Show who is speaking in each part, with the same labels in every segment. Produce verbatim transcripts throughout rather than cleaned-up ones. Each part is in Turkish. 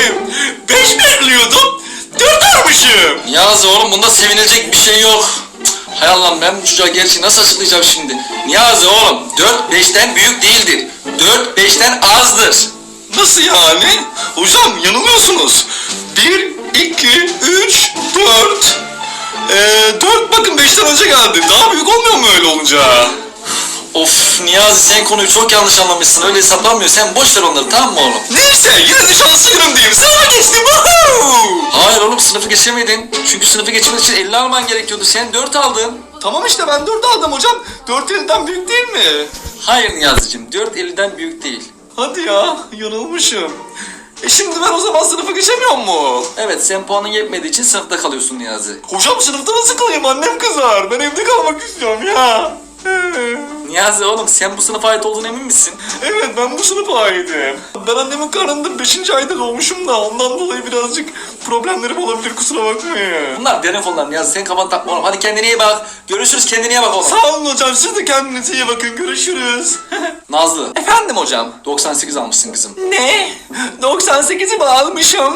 Speaker 1: Beş bekliyordum. Dört almışım.
Speaker 2: Niyazi oğlum bunda sevinilecek bir şey yok. Hay Allah'ım ben bu çocuğa gerçeği nasıl açıklayacağım şimdi? Niyazi oğlum dört beşten büyük değildir. dört beşten azdır.
Speaker 1: Nasıl yani? Hocam yanılıyorsunuz. Bir, iki, üç, dört. Ee, dört bakın beşten önce geldi. Daha büyük olmuyor mu öyle olunca?
Speaker 2: Of Niyazi sen konuyu çok yanlış anlamışsın. Öyle hesaplanmıyor. Sen boş ver onları tamam mı oğlum?
Speaker 1: Neyse yine de şanslı günümdeyim. Sınıfa geçtim. Woohoo!
Speaker 2: Hayır oğlum sınıfı geçemedin. Çünkü sınıfı geçmek için elli alman gerekiyordu. Sen dört aldın.
Speaker 1: Tamam işte ben dört aldım hocam. Dört elden büyük değil mi?
Speaker 2: Hayır Niyazi'cim dört elliden büyük değil.
Speaker 1: Hadi ya yanılmışım. E şimdi ben o zaman sınıfa geçemiyor mu?
Speaker 2: Evet sen puanın yetmediği için sınıfta kalıyorsun Niyazi.
Speaker 1: Hocam sınıfta nasıl kalayım, annem kızar. Ben evde kalmak istiyorum ya.
Speaker 2: Niyazi oğlum sen bu sınıfa ait olduğuna emin misin?
Speaker 1: Evet ben bu sınıfa aitim. Ben annemin karnında beşinci ayda doğmuşum da ondan dolayı birazcık problemlerim olabilir, kusura bakmayın.
Speaker 2: Bunlar derin konular Niyazi sen kafanı takma oğlum. Hadi kendine iyi bak. Görüşürüz kendine iyi bak oğlum.
Speaker 1: Sağ olun hocam, siz de kendinize iyi bakın, görüşürüz.
Speaker 2: Nazlı
Speaker 1: Efendim hocam?
Speaker 2: doksan sekiz almışsın kızım.
Speaker 1: Ne? doksan sekizi mi almışım?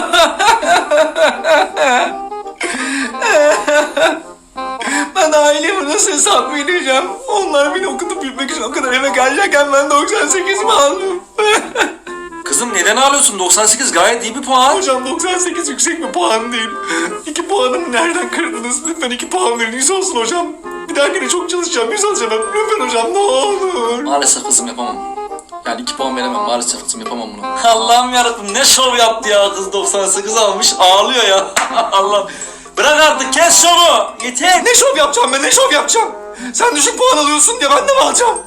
Speaker 1: Ben aileme nasıl hesap vereceğim? Onlar beni okutup büyütmek için o kadar eve gelecekken ben doksan sekiz mi aldım?
Speaker 2: Kızım neden ağlıyorsun? doksan sekiz gayet iyi bir puan.
Speaker 1: Hocam doksan sekiz yüksek bir puan değil. İki puanımı nereden kırdınız? Lütfen iki puan verin. yüz olsun hocam. Bir dahakine çok çalışacağım. yüz alacağım. Lütfen hocam ne olur.
Speaker 2: Maalesef kızım yapamam. Yani iki puan veremem. Maalesef kızım yapamam bunu. Allah'ım yarabbim ne şov yaptı ya kız doksan sekiz almış ağlıyor ya. Allah. Bırak artık kes şovu. Yeter.
Speaker 1: Ne şov yapacağım ben? Ne şov yapacağım? Sen düşük puan alıyorsun diye ben de mi alacağım?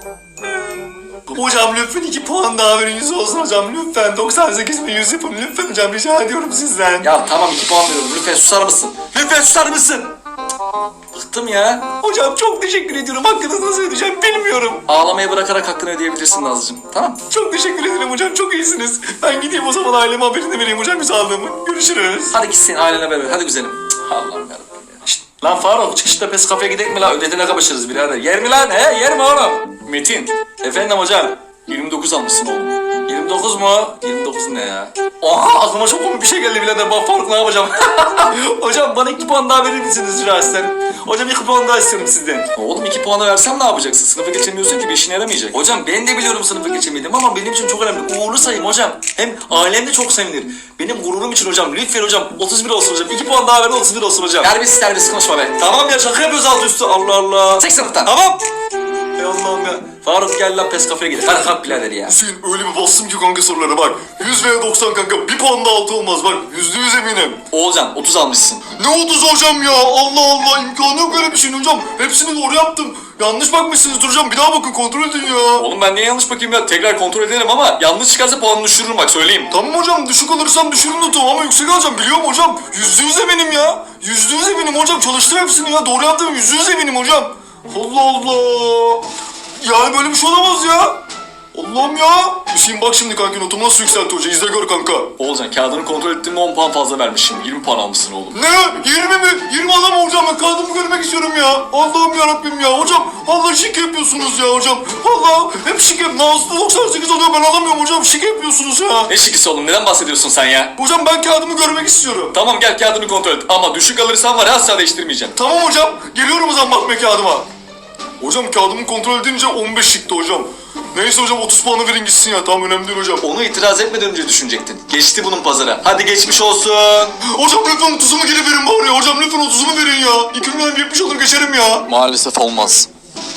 Speaker 1: Hocam lütfen iki puan daha verin. yüz olsun hocam. Lütfen doksan sekiz mi yüz yapın. Lütfen hocam rica ediyorum sizden.
Speaker 2: Ya tamam iki puan veriyorum. Lütfen susar mısın? Lütfen susar mısın? Cık, Bıktım ya.
Speaker 1: Hocam çok teşekkür ediyorum. Hakkınızı nasıl ödeyeceğim bilmiyorum.
Speaker 2: Ağlamayı bırakarak hakkını ödeyebilirsin Nazlıcığım. Tamam.
Speaker 1: Çok teşekkür ederim hocam. Çok iyisiniz. Ben gideyim o zaman aileme haberini vereyim hocam yüz aldığımı. Görüşürüz.
Speaker 2: Hadi git senin ailene beraber. Hadi güzelim. Cık, Allah'ım yarabbim ya. Şşt, lan Faruk çıkışta pes kafeye gidelim mi lan? Ödetine kapışırız birader. Yer mi lan? He yer mi oğlum? Metin. Efendim hocam. yirmi dokuz almışsın oğlum. yirmi dokuz mu? yirmi dokuz ne ya? Oha aklıma çok komik bir şey geldi birader. Bak Faruk ne yapacağım? Hocam bana iki puan daha verir misiniz rica etsem? Hocam iki puan daha istiyorum sizden. Oğlum iki puanı versem ne yapacaksın? Sınıfı geçemiyorsun ki bir işine yaramayacak. Hocam ben de biliyorum sınıfı geçemedim ama benim için çok önemli. Uğurlu sayım hocam. Hem ailem de çok sevinir. Benim gururum için hocam. Lütfen hocam otuz bir olsun hocam. iki puan daha verin otuz bir olsun hocam. Terbiyesiz terbiyesiz konuşma be. Tamam ya şaka yapıyoruz altı üstü. Allah Allah. Çek sınıftan. Tamam. Ey Allah'ım ya. Faruk gel lan pes kafeye gidelim. Hadi kalk birader ya.
Speaker 1: Hüseyin öyle bir bastım ki kanka sorulara bak. yüz veya doksan kanka. Bir puan da altı olmaz bak. Yüzde yüz eminim.
Speaker 2: Oğulcan otuz almışsın.
Speaker 1: Ne otuz hocam ya? Allah Allah, imkanı yok öyle bir şeyin hocam. Hepsini doğru yaptım. Yanlış bakmışsınız hocam. Bir daha bakın, kontrol edin ya.
Speaker 2: Oğlum ben niye yanlış bakayım ya? Tekrar kontrol edelim ama yanlış çıkarsa puanını düşürürüm bak söyleyeyim.
Speaker 1: Tamam hocam, düşük alırsam düşürün notumu ama yüksek alacağım biliyorum hocam. Yüzde yüz eminim ya. Yüzde yüz eminim hocam. Çalıştım hepsini ya. Doğru yaptım. Yüzde yüz eminim hocam. Allah Allah. Yani böyle bir şey olamaz ya. Allah'ım ya. Hüseyin bak şimdi kanka notumu nasıl yükseltti hoca. İzle gör kanka.
Speaker 2: Oğulcan kağıdını kontrol ettiğimde on puan fazla vermişim. yirmi puan almışsın oğlum.
Speaker 1: Ne? yirmi mi? yirmi alamam hocam. Ben kağıdımı görmek istiyorum ya. Allah'ım yarabbim ya. Hocam vallahi şike yapıyorsunuz ya hocam. Vallahi hep şike. Nazlı doksan sekiz alıyor, ben alamıyorum hocam. Şike yapıyorsunuz ya.
Speaker 2: Ne şikisi oğlum neden bahsediyorsun sen ya?
Speaker 1: Hocam ben kağıdımı görmek istiyorum.
Speaker 2: Tamam gel kağıdını kontrol et ama düşük alırsan var ya asla değiştirmeyeceğim.
Speaker 1: Tamam hocam. Geliyorum o zaman bakmaya kağıdıma. Hocam kağıdımı kontrol edince on beş çıktı hocam. Neyse hocam otuz puanı verin gitsin ya. Tamam önemli değil hocam.
Speaker 2: Onu itiraz etmeden önce düşünecektin. Geçti bunun pazara. Hadi geçmiş olsun.
Speaker 1: Hocam lütfen otuzumu geri verin bari ya. Hocam lütfen otuzumu verin ya. İki milyon yetmiş olur geçerim ya.
Speaker 2: Maalesef olmaz.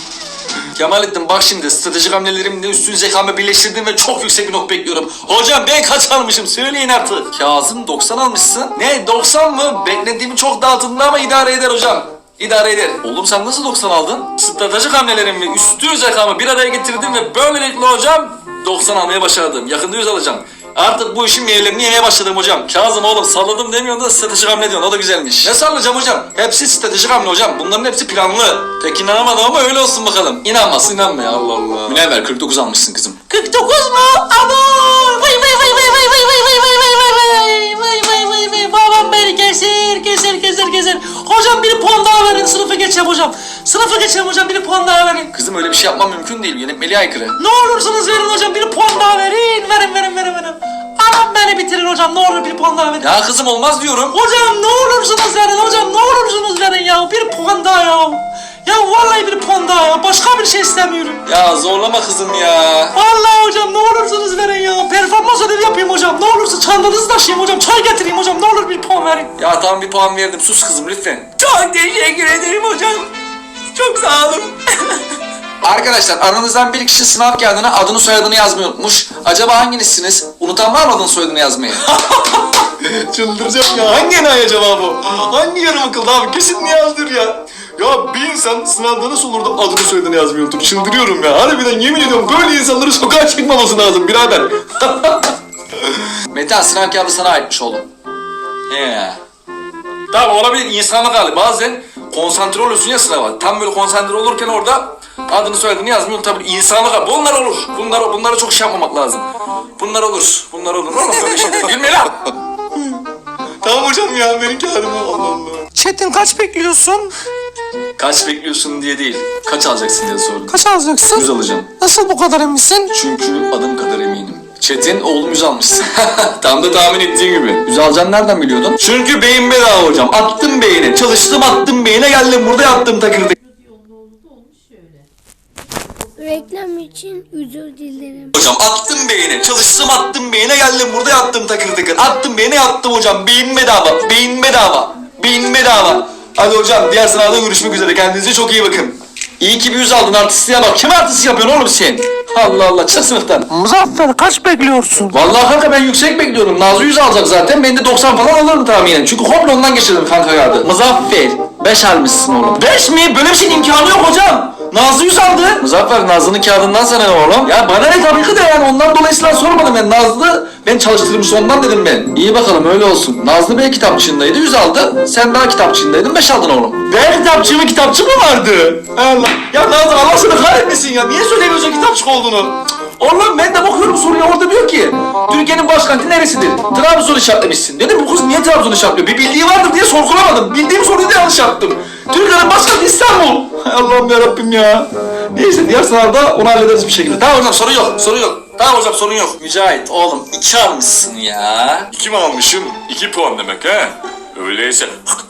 Speaker 2: Kemalettin bak şimdi stratejik hamlelerimle üstün zekamı birleştirdim ve çok yüksek bir not bekliyorum. Hocam ben kaç almışım söyleyin artık. Kazım doksan almışsın. Ne doksan mı? Beklediğimi çok daha altında ama idare eder hocam. İdare eder. Oğlum sen nasıl doksan aldın? Stratejik hamlelerimi üstün zekamı bir araya getirdim ve böylelikle hocam doksan almaya başardım. Yakında yüz alacağım. Artık bu işin meyvelerini yemeye başladım hocam. Kazım oğlum salladım demiyorsun da stratejik hamle diyorsun. O da güzelmiş. Ne sallayacağım hocam? Hepsi stratejik hamle hocam. Bunların hepsi planlı. Pek inanamadım ama öyle olsun bakalım. İnanmazsın inanma ya Allah Allah. Münevver kırk dokuz almışsın kızım.
Speaker 3: kırk dokuz mu? Abo! Vay vay vay vay vay vay vay vay vay vay vay vay vay vay vay vay babam beni keser keser keser keser. Hocam bir puan daha verin sınıfı geçeceğim hocam. Sınıfı geçeceğim hocam bir puan daha verin.
Speaker 2: Kızım öyle bir şey yapmam mümkün değil. Yönetmeliğe aykırı.
Speaker 3: Ne olursunuz verin hocam bir puan daha verin. Verin verin verin verin. Anam beni bitirin hocam ne olur bir bir puan daha verin.
Speaker 2: Ya kızım olmaz diyorum.
Speaker 3: Hocam ne olursunuz verin hocam, ne olursunuz verin ya. Bir puan daha ya. Ya vallahi bir puan daha ya. Başka bir şey istemiyorum.
Speaker 2: Ya zorlama kızım ya.
Speaker 3: Vallahi hocam ne olursunuz verin ya. Performans ödevi yapayım hocam. Ne olursa çantanızı taşıyayım hocam. Çay getireyim hocam. Ne olur bir puan verin.
Speaker 2: Ya tamam bir puan verdim. Sus kızım lütfen.
Speaker 3: Çok teşekkür ederim hocam. Çok sağ olun.
Speaker 2: Arkadaşlar aranızdan bir kişi sınav kağıdına adını soyadını yazmayı unutmuş. Acaba hanginizsiniz? Unutan var mı adını soyadını yazmayı?
Speaker 1: Çıldıracağım ya. Hangi enayi acaba bu? Hangi yarım akıllı abi? Kesin Nihal'dir ya. Ya bir insan sınavda nasıl olur da adını soyadını yazmayı unutur? Çıldırıyorum ya. Harbiden yemin ediyorum böyle insanların sokağa çıkmaması lazım birader.
Speaker 2: Metehan sınav kağıdı sana aitmiş oğlum. He. Tamam olabilir insanlık hali. Bazen konsantre oluyorsun ya sınava. Tam böyle konsantre olurken orada adını soyadını yazmayı unutabilir. İnsanlık hali. Bunlar olur. Bunlar, bunlara çok şey yapmamak lazım. Bunlar olur. Bunlar olur. Oğlum böyle şeyler. Gülme lan.
Speaker 1: Tamam hocam ya benim kağıdımı. Allah Allah.
Speaker 3: Çetin kaç bekliyorsun?
Speaker 2: Kaç bekliyorsun diye değil. Kaç alacaksın diye sordum.
Speaker 3: Kaç alacaksın?
Speaker 2: Yüz alacağım.
Speaker 3: Nasıl bu kadar eminsin?
Speaker 2: Çünkü adım kadar eminim. Çetin oğlum yüz almışsın. Tam da tahmin ettiğin gibi. Yüz alacağını nereden biliyordun? Çünkü beyin bedava hocam. Attım beyine. Çalıştım attım beyine geldim burada yattım takırdık.
Speaker 4: Reklam için özür dilerim.
Speaker 2: Hocam attım beyine. Çalıştım attım beyine geldim burada yattım takır takır. Attım beyine yattım hocam. Beyin bedava. Beyin bedava. Beyin bedava. Hadi hocam diğer sınavda görüşmek üzere. Kendinize çok iyi bakın. İyi ki bir yüz aldın artistliğe bak. Kim artist yapıyorsun oğlum sen? Allah Allah çık sınıftan.
Speaker 3: Muzaffer kaç bekliyorsun?
Speaker 2: Vallahi kanka ben yüksek bekliyorum. Nazlı yüz alacak zaten. Ben de doksan falan alırım tahminen. Çünkü komple ondan geçirdim kanka kağıdı. Muzaffer beş almışsın oğlum. beş mi? Böyle bir şeyin imkanı yok hocam. Nazlı yüz aldı. Muzaffer Nazlı'nın kağıdından sana ne oğlum? Ya bana ne tabii ki de yani ondan dolayısıyla sormadım ben. Nazlı ben çalıştırmış ondan dedim ben. İyi bakalım öyle olsun. Nazlı Bey kitapçığındaydı yüz aldı. Sen daha kitapçığındaydın beş aldın oğlum. Ben kitapçığı mı kitapçı mı vardı? Allah. Ya Nazlı Allah seni kahretmesin ya. Niye söylemiyorsun kitapçık olduğunu? Oğlum ben de bakıyorum soruya orada diyor ki Türkiye'nin başkenti neresidir? Trabzon işaretlemişsin. Dedim bu kız niye Trabzon işaretliyor? Bir bildiği vardır diye sorgulamadım. Bildiğim soruyu da yanlış yaptım. Türkiye'nin başkenti İstanbul. Hay Allah'ım yarabbim ya. Neyse diğer sınavda onu hallederiz bir şekilde. Tamam hocam sorun yok sorun yok. Tamam hocam sorun yok. Mücahit oğlum iki almışsın ya.
Speaker 5: İki mi almışım? İki puan demek ha? Öyleyse...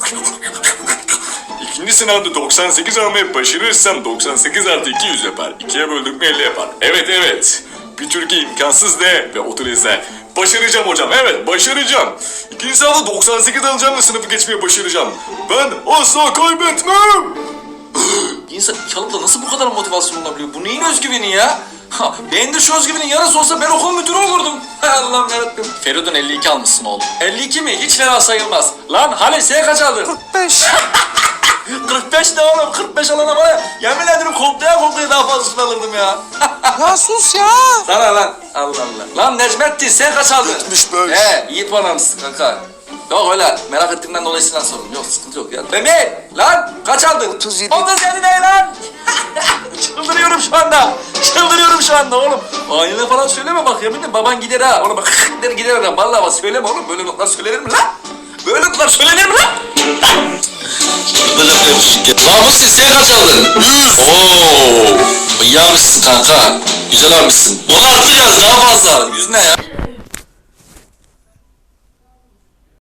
Speaker 5: İkinci sınavda doksan sekiz almayı başarırsam doksan sekiz artı iki yüz yapar. ikiye böldük mü elli yapar. Evet evet. Bir Türkiye imkansız de ve otur izle. Başaracağım hocam evet başaracağım. İkinci sınavda doksan sekiz alacağım ve sınıfı geçmeye başaracağım. Ben asla kaybetmem.
Speaker 2: İnsan iki alıp da nasıl bu kadar motivasyon olabiliyor? Bu neyin özgüveni ya? Ha, ben de şu özgüvenin yarısı olsa ben okul müdürü olurdum. Hay Allah'ım yarabbim. Feridun elli iki almışsın oğlum. elli iki mi? Hiç fena sayılmaz. Lan Halil sen kaç aldın?
Speaker 3: kırk beş.
Speaker 2: kırk beş ne oğlum? kırk beş alana bana yemin ederim koklaya koklaya daha fazlasını alırdım ya.
Speaker 3: Ya sus ya.
Speaker 2: Sana lan. Allah Allah. Lan Necmettin sen kaç aldın?
Speaker 1: yetmiş beş.
Speaker 2: He iyi puan almışsın kanka. Yok öyle merak ettiğimden dolayısıyla sorun. Yok sıkıntı yok ya. Mehmet lan kaç aldın?
Speaker 1: otuz yedi.
Speaker 2: otuz yedi ne lan? Çıldırıyorum şu anda. Çıldırıyorum şu anda oğlum. Aynına falan söyleme bak yeminle baban gider ha. Oğlum bak gider gider adam. Vallahi bak söyleme oğlum. Böyle notlar söylenir mi lan? Böyle notlar söylenir mi lan? Lan bu siz sen kaç aldın? yüz. Oo. İyi almışsın kanka. Güzel almışsın. Onu arttıracağız daha fazla. Yüz ne ya?